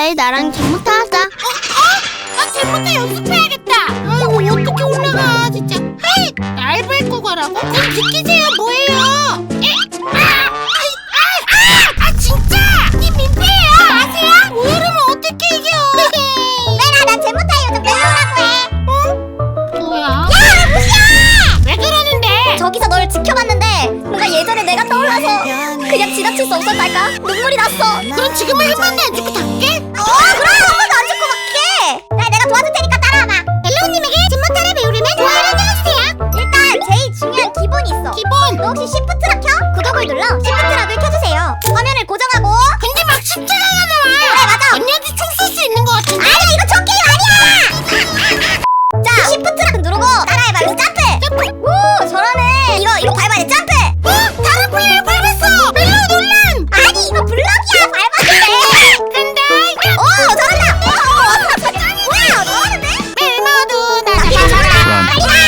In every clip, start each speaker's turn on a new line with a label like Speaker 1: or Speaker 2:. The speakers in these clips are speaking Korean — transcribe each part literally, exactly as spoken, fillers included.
Speaker 1: 내일 나랑 잼부터 하자.
Speaker 2: 어? 어? 아, 잼부터 연습해야겠다. 아이고, 어떻게 올라가, 진짜. 헤이! 날 밟고 가라고? 그럼 비키세요, 뭐예요? 에? 아! 아이, 아! 아! 아, 진짜! 이 민폐예요, 아세요? 뭐 이러면 어떻게 이겨?
Speaker 1: 내라, 난 잼부터 요즘 멜로라고 해.
Speaker 2: 어? 뭐야?
Speaker 1: 야, 무시야!
Speaker 2: 왜 그러는데?
Speaker 1: 저기서 널 지켜봤는데 뭔가 예전에 내가 떠올라서 그냥 지나칠 수 없었달까? 눈물이 났어.
Speaker 2: 그럼 지금은 한 번도 안 죽고 갈게?
Speaker 1: 어, 그럼 한 번도 안 죽고 갈게. 나 내가 도와줄 테니까 따라와봐. 멜로우님에게 잼모타를 배우려면 좋아요를 눌러주세요. 일단 제일 중요한 기본이 있어.
Speaker 2: 기본!
Speaker 1: 너 혹시 시프트락 켜? 구독을 눌러 시프트락을 켜주세요. 화면을 고정하고.
Speaker 2: 근데 막 십자가가 나와!
Speaker 1: 그래, 맞아.
Speaker 2: 언니한테 총 쏠 수 있는 것 같은데?
Speaker 1: 아니야, 이거 저 게임 아니야. 자, 시프트락 누르고 따라해봐. 여기서 점프.
Speaker 2: 점프!
Speaker 1: 오, 잘하네. 이거 이거 밟아야 돼. 점프.
Speaker 2: 어? 다른 분야를 밟았어! 멜로 논란!
Speaker 1: 아니, 이거 블럭이야. 밟았는데.
Speaker 2: 간다!
Speaker 1: 오, 잘한다. 오, 뭐야, 잘하는데?
Speaker 2: 멜모도 나
Speaker 1: 이거
Speaker 2: 잡아라!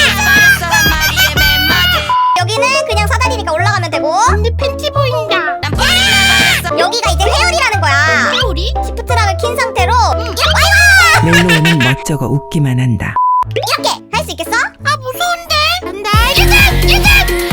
Speaker 1: 잘한다. 여기는 그냥 사다리니까 올라가면 되고.
Speaker 2: 근데 팬티 보인다.
Speaker 1: 여기가 이제 회오리라는 거야.
Speaker 2: 회오리?
Speaker 1: 시프트락을 킨 상태로 이렇게 아이고!
Speaker 3: 멜로우는 멋쩍어 웃기만 한다.
Speaker 1: 이렇게 할 수 있겠어?
Speaker 2: 아, 무서운데? 간다! 유전! 유전!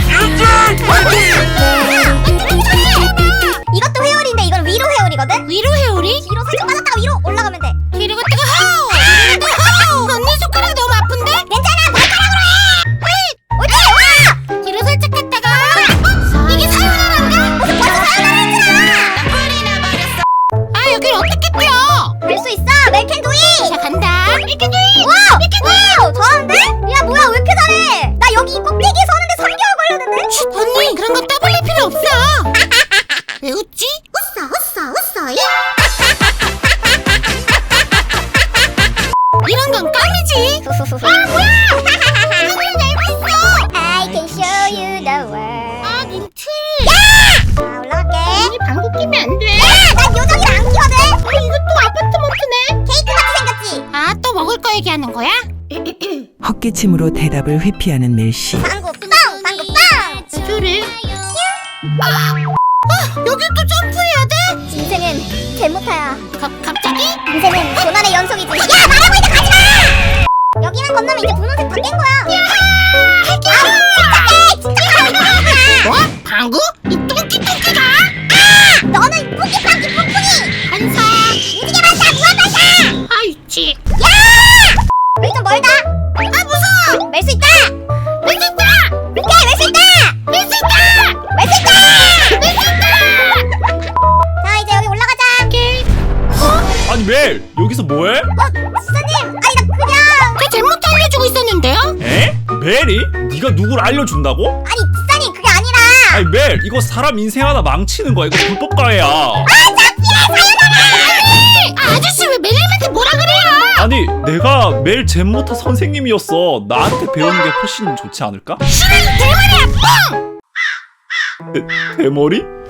Speaker 1: 이것도 회오리인데 이건 위로 회오리거든?
Speaker 2: 위로 회오리?
Speaker 1: 뒤로 살짝 빠졌다가 위로 올라가면 돼.
Speaker 2: 뒤로 갔다가 하우! 뒤로 갔다가 하우! 언니 손가락 너무 아픈데?
Speaker 1: 괜찮아, 발가락으로 해. 옳지, 와!
Speaker 2: 뒤로 살짝 갔다가 어? 이게 사연하란가?
Speaker 1: 무슨 벌써 사연을 했잖아.
Speaker 2: 아, 여길 어떻게 뛰어?
Speaker 1: 할 수 있어, 멜캔두이.
Speaker 2: 자, 간다. 이렇게
Speaker 1: 와, 와, 잘하는데? 야, 뭐야, 왜 이렇게 잘해? 나 여기 꼭대기에 서는데 삼 개월 걸렸는데?
Speaker 2: 언니, 그런 건 떠벌릴 필요 없어. 왜 웃지?
Speaker 1: 웃어, 웃어, 웃어.
Speaker 2: 이런 건 껌이지.
Speaker 1: 아, 뭐야?
Speaker 2: 눈을 날고 있어.
Speaker 1: I can show you the world.
Speaker 2: 아, 민트.
Speaker 1: 자, 올라갈게.
Speaker 2: 언니 방구 끼면 안 돼.
Speaker 1: 난 요정이랑 안 끼거든.
Speaker 2: 아, 이것도 아파트먼트네.
Speaker 1: 케이크 같이 생겼지?
Speaker 2: 아, 또 먹을 거 얘기하는 거야?
Speaker 3: 헛기침으로 대답을 회피하는 멜씨.
Speaker 1: 방구 빵! 방구 빵!
Speaker 2: 저를. 아, 여기 또 점프해야 돼?
Speaker 1: 인생은 잼모타야.
Speaker 2: 가, 갑자기?
Speaker 1: 인생은 고난의 연속이지. 야, 말하고 있다, 가지마! 여기만 건너면 이제 분홍색 다 깬 거야. 아, 침착해! 침착해!
Speaker 2: 뭐? 방구? 이 똥끼똥끼가?
Speaker 1: 아! 너는 뿌끼빵끼 뿡뿡이!
Speaker 2: 반사.
Speaker 1: 무지개 반사, 무한 반사!
Speaker 2: 아, 있지.
Speaker 1: 야! 여기 좀 멀다.
Speaker 2: 아, 무서워.
Speaker 1: 멜 수 있다!
Speaker 2: 멜 수 있다.
Speaker 1: 오케이, 멜 수 있다!
Speaker 2: 멜 수 있다.
Speaker 1: 멜 수 있다!
Speaker 2: 멜 수 있다.
Speaker 1: 자, 이제 여기 올라가자.
Speaker 2: 오케이.
Speaker 4: 아니 멜 여기서 뭐해?
Speaker 1: 어, 지사님! 아니, 나 그냥...
Speaker 2: 저 잘못 알려주고 있었는데요?
Speaker 4: 에? 멜이? 네가 누굴 알려준다고?
Speaker 1: 아니, 지사님, 그게 아니라...
Speaker 4: 아니 멜 이거 사람 인생 하나 망치는 거야. 이거 불법 가해야.
Speaker 1: 아, 창피해! 사연아!
Speaker 2: 아, 아저씨 왜 멜님한테 뭐라 그래요?
Speaker 4: 아니 내가 멜 잼모타 선생님이었어. 나한테 배우는 게 훨씬 좋지 않을까?
Speaker 2: 싫은 대머리야, 뻥!
Speaker 4: 대, 대머리?